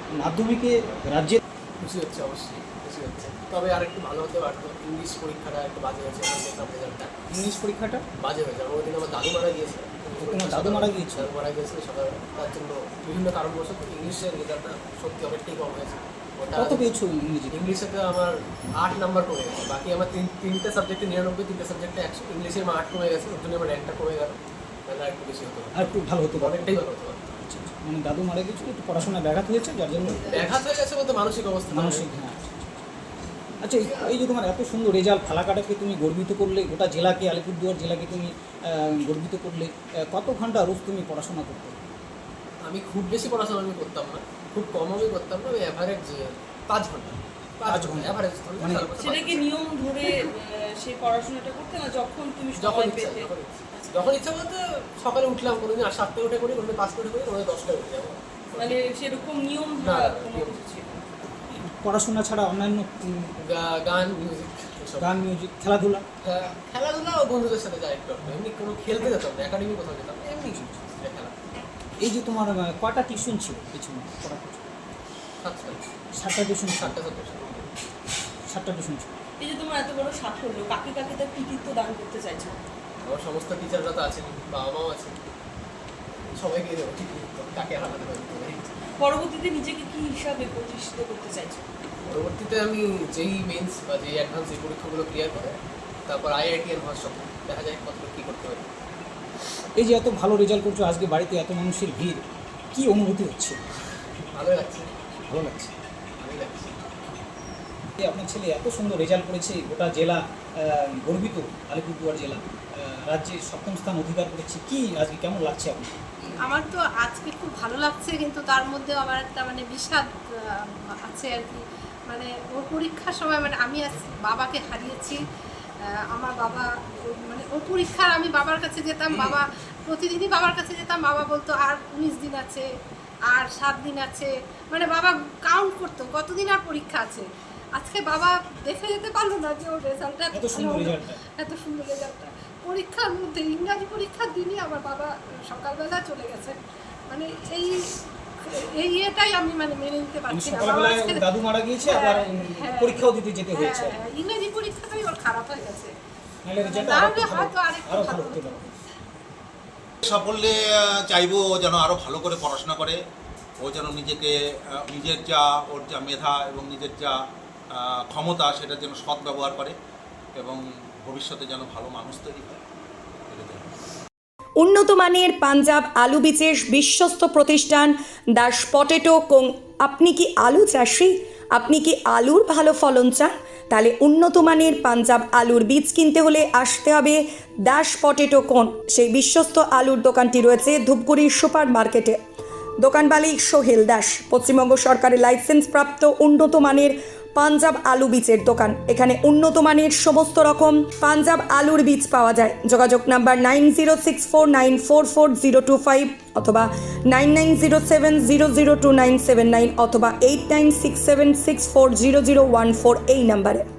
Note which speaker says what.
Speaker 1: মাধ্যমিকে রাজ্যে
Speaker 2: খুশি হচ্ছে, অবশ্যই খুশি হচ্ছে। তবে আর একটু ভালো হতে পারতো। ইংলিশ পরীক্ষাটা একটু বাজে হয়েছে, আমার দেখলাম রেজাল্টটা
Speaker 1: ইংলিশ পরীক্ষাটা
Speaker 2: বাজে হয়েছে। আমার ওই দিন আমার দাদু মারা গিয়েছে।
Speaker 1: তোমার দাদু মারা গিয়েছিল?
Speaker 2: দাদু মারা গিয়েছিল সকালবেলা, তার জন্য বিভিন্ন কারণবশত ইংলিশের রেজাল্টটা সত্যি অনেকটাই কম হয়েছে।
Speaker 1: কত পেয়েছো ইংরেজি?
Speaker 2: ইংলিশেতে আমার 8 নাম্বার কমে গেছে। বাকি আমার তিনটে সাবজেক্টে 99, তিনটে সাবজেক্টে 100। ইংলিশের আমার 8 কমে গেছে, ওর জন্য আমার র্যাঙ্কটা কমে গেল। তাহলে আর একটু বেশি হতো,
Speaker 1: আর একটু ভালো হতে পারে।
Speaker 2: অনেকটাই ভালো হতো।
Speaker 1: আচ্ছা, মানে দাদু মারা গিয়েছিল, একটু পড়াশোনা ব্যাঘাত হয়েছে, যার জন্য
Speaker 2: ব্যাঘাত হয়ে গেছে বলতে মানসিক অবস্থা,
Speaker 1: মানসিক। হ্যাঁ, আচ্ছা, এই যে তোমার এত সুন্দর রেজাল্ট, ফালাকাটাকে তুমি গর্বিত করলে, গোটা জেলাকে, আলিপুরদুয়ার জেলাকে তুমি গর্বিত করলে। কত ঘন্টা রোজ তুমি পড়াশোনা করতে?
Speaker 2: আমি খুব বেশি পড়াশোনা আমি করতাম না, খুব কম আমি করতাম না। ওই অ্যাভারেজ 5 ঘন্টা, 5 ঘন্টা অ্যাভারেজ।
Speaker 3: মানে সেটা কি নিয়ম ধরে সেই পড়াশোনাটা করতে না, যখন তুমি
Speaker 2: যখন
Speaker 3: সময়
Speaker 2: ইচ্ছা,
Speaker 3: পেতে?
Speaker 2: যখন ইচ্ছা বলতে সকালে উঠলাম, কোনোদিন 7টায় উঠে করি, কোনোদিন 5টায় উঠে করি, কোনোদিন 10টায় উঠে যাবো।
Speaker 3: মানে সেরকম নিয়ম
Speaker 2: না,
Speaker 3: ধরা
Speaker 2: না,
Speaker 3: কোনো
Speaker 2: নিয়ম
Speaker 3: কিছু ছিল না।
Speaker 1: পড়াশোনা ছাড়া অন্যান্য
Speaker 2: গান, মিউজিক,
Speaker 1: গান, মিউজিক, খেলাধুলা?
Speaker 2: খেলাধুলা ও বন্ধুদের সাথে যাই একটু। এমনি কোনো খেলতে যেতাম না, একাডেমি কোথাও যেতাম না, এমনি খেলা।
Speaker 1: এই যে তোমার কটা টিউশন ছিল পেছনে পড়া? 7টা টিউশন, 7টা টিউশন ছিল।
Speaker 3: এই যে তোমার এত বড় সাফল্য, কাকে কাকে তার কৃতিত্ব দান করতে চাইছো?
Speaker 2: আমার সমস্ত টিচাররা তো আছেন, বাবা মাও আছেন, সবাইকে দেবো। ঠিক কাকে হারাতে পারি।
Speaker 3: পরবর্তীতে নিজেকে কি হিসাবে প্রতিষ্ঠিত করতে চাইছো?
Speaker 2: পরবর্তীতে আমি যেই মেন্স বা যেই অ্যাডভান্স এই পরীক্ষাগুলো ক্লিয়ার করে তারপর IIT এর ভার্সন দেখা যায় কতটুকু কী করতে পারি।
Speaker 1: এই যে এত ভালো রেজাল্ট করছো, আজকে বাড়িতে এত মানুষের ভিড়, কি অনুভূতি হচ্ছে?
Speaker 2: ভালো লাগছে,
Speaker 1: ভালো লাগছে।
Speaker 2: ভালোই লাগছে।
Speaker 1: আপনার ছেলে এত সুন্দর রেজাল্ট করেছে, গোটা জেলা গর্বিত, আলিপুরদুয়ার জেলা রাজ্যে 7ম স্থান অধিকার করেছে। কি আজকে কেমন লাগছে আপনার?
Speaker 4: আমার তো আজকে খুব ভালো লাগছে, কিন্তু তার মধ্যেও আমার একটা মানে বিষাদ আছে আর কি। মানে ওর পরীক্ষার সময় মানে আমি আজ বাবাকে হারিয়েছি। আমার বাবা মানে ওর পরীক্ষার আমি বাবার কাছে যেতাম, বাবা প্রতিদিনই বাবার কাছে যেতাম, বাবা বলতো আর 19 দিন আছে, আর 7 দিন আছে, মানে বাবা কাউন্ট করতো কতদিন আর পরীক্ষা আছে। আজকে বাবা দেখে যেতে পারলো না যে ওর রেজাল্টটা
Speaker 1: এত সুন্দর
Speaker 4: রেজাল্টটা পরীক্ষার মধ্যে ইংরাজি পরীক্ষার দিনই আমার বাবা সকালবেলা চলে গেছে। মানে এই ইয়েটাই আমি মানে মেনে নিতে পারছি না।
Speaker 1: দাদু মারা গিয়েছে, আবার পরীক্ষাও দিতে যেতে হয়েছে।
Speaker 4: ইংরাজি পরীক্ষাটাই ওর খারাপ হয়ে গেছে,
Speaker 1: নাহলে রেজাল্ট
Speaker 4: হয়তো আরেকটু ভালো হতে পারে।
Speaker 5: সাফল্যে চাইবো ও যেন আরও ভালো করে পড়াশোনা করে, ও যেন নিজেকে, নিজের যা ওর যা মেধা এবং নিজের যা ক্ষমতা সেটা যেন সৎ ব্যবহার করে এবং ভবিষ্যতে যেন ভালো মানুষ তৈরি হয়।
Speaker 6: উন্নত মানের পাঞ্জাব আলু বীজের বিশ্বস্ত প্রতিষ্ঠান দাস পটেটো কোং। আপনি কি আলু চাষি? আপনি কি আলুর ভালো ফলন চান? তাহলে উন্নত মানের পাঞ্জাব আলুর বীজ কিনতে হলে আসতে হবে দাস পটেটো কোং। সেই বিশ্বস্ত আলুর দোকানটি রয়েছে ধূপগুড়ির সুপার মার্কেটে। দোকান মালিক সোহেল দাস। পশ্চিমবঙ্গ সরকারের লাইসেন্স প্রাপ্ত উন্নত মানের পাঞ্জাব আলু বীজের দোকান। এখানে উন্নত মানের সমস্ত রকম পাঞ্জাব আলুর বীজ পাওয়া যায়। যোগাযোগ নাম্বার 9064944025 অথবা 9907002979 অথবা 8967640014 এই নাম্বারে।